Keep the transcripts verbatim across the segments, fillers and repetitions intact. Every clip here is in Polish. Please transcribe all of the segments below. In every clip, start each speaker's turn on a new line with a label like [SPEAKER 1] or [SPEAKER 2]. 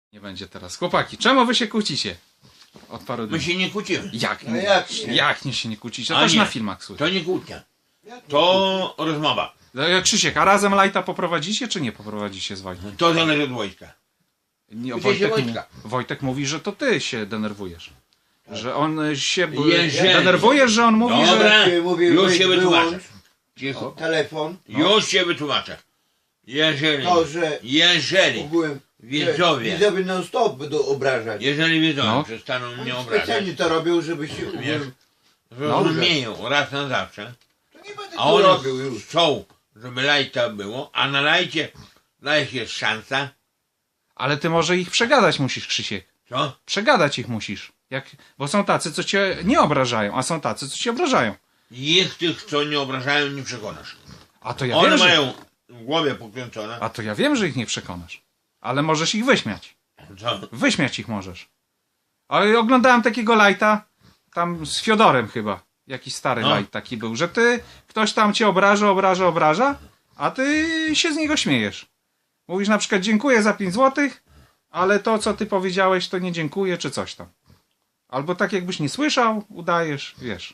[SPEAKER 1] Nie będzie teraz. Chłopaki, czemu wy się kłócicie? Od paru dni.
[SPEAKER 2] My się nie kłócimy.
[SPEAKER 1] Jak?
[SPEAKER 3] No
[SPEAKER 1] nie?
[SPEAKER 3] jak nie?
[SPEAKER 1] Jak nie się nie kłócicie?
[SPEAKER 2] A
[SPEAKER 1] To też
[SPEAKER 2] nie.
[SPEAKER 1] na filmach słychać.
[SPEAKER 2] To nie kłótnia.
[SPEAKER 3] Jak nie?
[SPEAKER 2] To rozmowa.
[SPEAKER 1] No, Krzysiek, a razem Lajta poprowadzicie, czy nie poprowadzicie z Wojtkiem?
[SPEAKER 2] To zależy od wojska.
[SPEAKER 1] Nie,
[SPEAKER 2] Pytaj się
[SPEAKER 1] Wojtek,
[SPEAKER 2] Wojtka.
[SPEAKER 1] Wojtek mówi, że to ty się denerwujesz. Że on się b-
[SPEAKER 2] Jeżeli-
[SPEAKER 1] denerwujesz, że on mówi, że...
[SPEAKER 2] Dobra,
[SPEAKER 3] Ty mówi,
[SPEAKER 2] już
[SPEAKER 3] weź
[SPEAKER 2] się wytłumaczę.
[SPEAKER 3] wyłącz
[SPEAKER 2] Cicho.
[SPEAKER 3] telefon,
[SPEAKER 2] Już się wytłumaczę. Jeżeli,
[SPEAKER 3] to, że
[SPEAKER 2] jeżeli,
[SPEAKER 3] ogółem
[SPEAKER 2] widzowie.
[SPEAKER 3] widzowie non stop będą obrażać.
[SPEAKER 2] jeżeli widzowie
[SPEAKER 1] No.
[SPEAKER 2] przestaną mnie
[SPEAKER 3] Oni
[SPEAKER 2] obrażać,
[SPEAKER 3] specjalnie to robią, żeby się
[SPEAKER 2] Wiesz,
[SPEAKER 3] ogółem...
[SPEAKER 2] zrozumieją raz na zawsze,
[SPEAKER 3] To nie będę
[SPEAKER 2] a
[SPEAKER 3] to
[SPEAKER 2] one
[SPEAKER 3] robił już.
[SPEAKER 2] chcą, żeby lajta było, a na lajcie, lajcie jest szansa,
[SPEAKER 1] Ale ty może ich przegadać musisz, Krzysiek.
[SPEAKER 2] co?
[SPEAKER 1] Przegadać ich musisz. Jak... Bo są tacy, co cię nie obrażają, a są tacy, co cię obrażają.
[SPEAKER 2] Ich tych, co nie obrażają, nie przekonasz.
[SPEAKER 1] A to ja
[SPEAKER 2] One
[SPEAKER 1] wiem, że...
[SPEAKER 2] mają w głowie pokręcone.
[SPEAKER 1] A to ja wiem, że ich nie przekonasz. Ale możesz ich wyśmiać.
[SPEAKER 2] Co?
[SPEAKER 1] Wyśmiać ich możesz. Ale oglądałem takiego lajta, tam z Fiodorem chyba. Jakiś stary
[SPEAKER 2] No.
[SPEAKER 1] lajt taki był, że ty, ktoś tam cię obraża, obraża, obraża, a ty się z niego śmiejesz. Mówisz na przykład dziękuję za pięć złotych, ale to co ty powiedziałeś to nie dziękuję, czy coś tam. Albo tak jakbyś nie słyszał, udajesz, wiesz.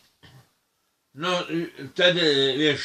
[SPEAKER 2] No y, wtedy, wiesz,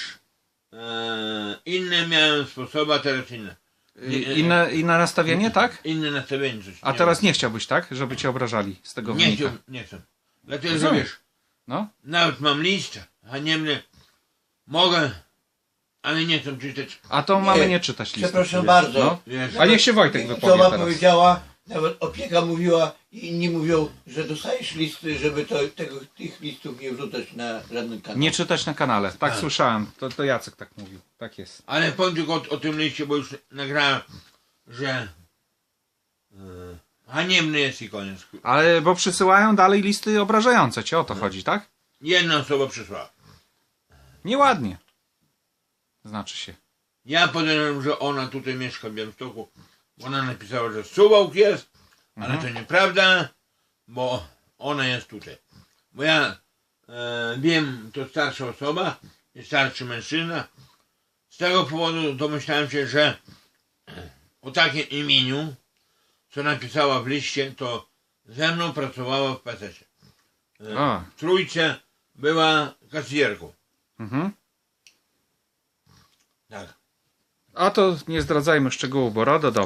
[SPEAKER 2] e, inne miałem sposoby, a teraz inne. Nie, nie.
[SPEAKER 1] Inne, inne nastawienie, tak?
[SPEAKER 2] Inne nastawienie coś.
[SPEAKER 1] A teraz nie chciałbyś, tak? Żeby cię obrażali z tego
[SPEAKER 2] Nie
[SPEAKER 1] wynika.
[SPEAKER 2] chcę, nie chcę. Dlatego, że
[SPEAKER 1] Rozumiem.
[SPEAKER 2] wiesz,
[SPEAKER 1] No.
[SPEAKER 2] nawet mam list haniebny, mogę, ale nie chcę czytać.
[SPEAKER 1] A to mamy
[SPEAKER 3] Nie,
[SPEAKER 1] nie czytać listy.
[SPEAKER 3] Przepraszam bardzo.
[SPEAKER 1] No.
[SPEAKER 2] Wiesz,
[SPEAKER 1] A niech się Wojtek wypowie
[SPEAKER 3] Osoba
[SPEAKER 1] teraz.
[SPEAKER 3] powiedziała, nawet opieka mówiła i inni mówią, że dostajesz listy, żeby to, tego, tych listów nie wrzucać na żaden kanał.
[SPEAKER 1] Nie czytać na kanale. Tak,
[SPEAKER 2] Tak.
[SPEAKER 1] słyszałem. To, to Jacek tak mówił. Tak jest.
[SPEAKER 2] ale powiem tylko o, o tym liście, bo już nagrałem, że e, haniebny jest i koniec.
[SPEAKER 1] Ale bo przysyłają dalej listy obrażające cię, o to chodzi, tak?
[SPEAKER 2] Jedna osoba przysłała.
[SPEAKER 1] Nieładnie. Znaczy się.
[SPEAKER 2] Ja podejrzewam, że ona tutaj mieszka w Białymstoku. Ona napisała, że Suwałk jest, ale
[SPEAKER 1] Mhm.
[SPEAKER 2] to nieprawda, bo ona jest tutaj. Bo ja e, wiem, to starsza osoba, jest starszy mężczyzna. Z tego powodu domyślałem się, że o takim imieniu, co napisała w liście, to ze mną pracowała w P S S-ie. E,
[SPEAKER 1] A.
[SPEAKER 2] w Trójce była kasjerką.
[SPEAKER 1] Mhm.
[SPEAKER 2] Tak.
[SPEAKER 1] A to nie zdradzajmy szczegółów, bo RODO, dobra.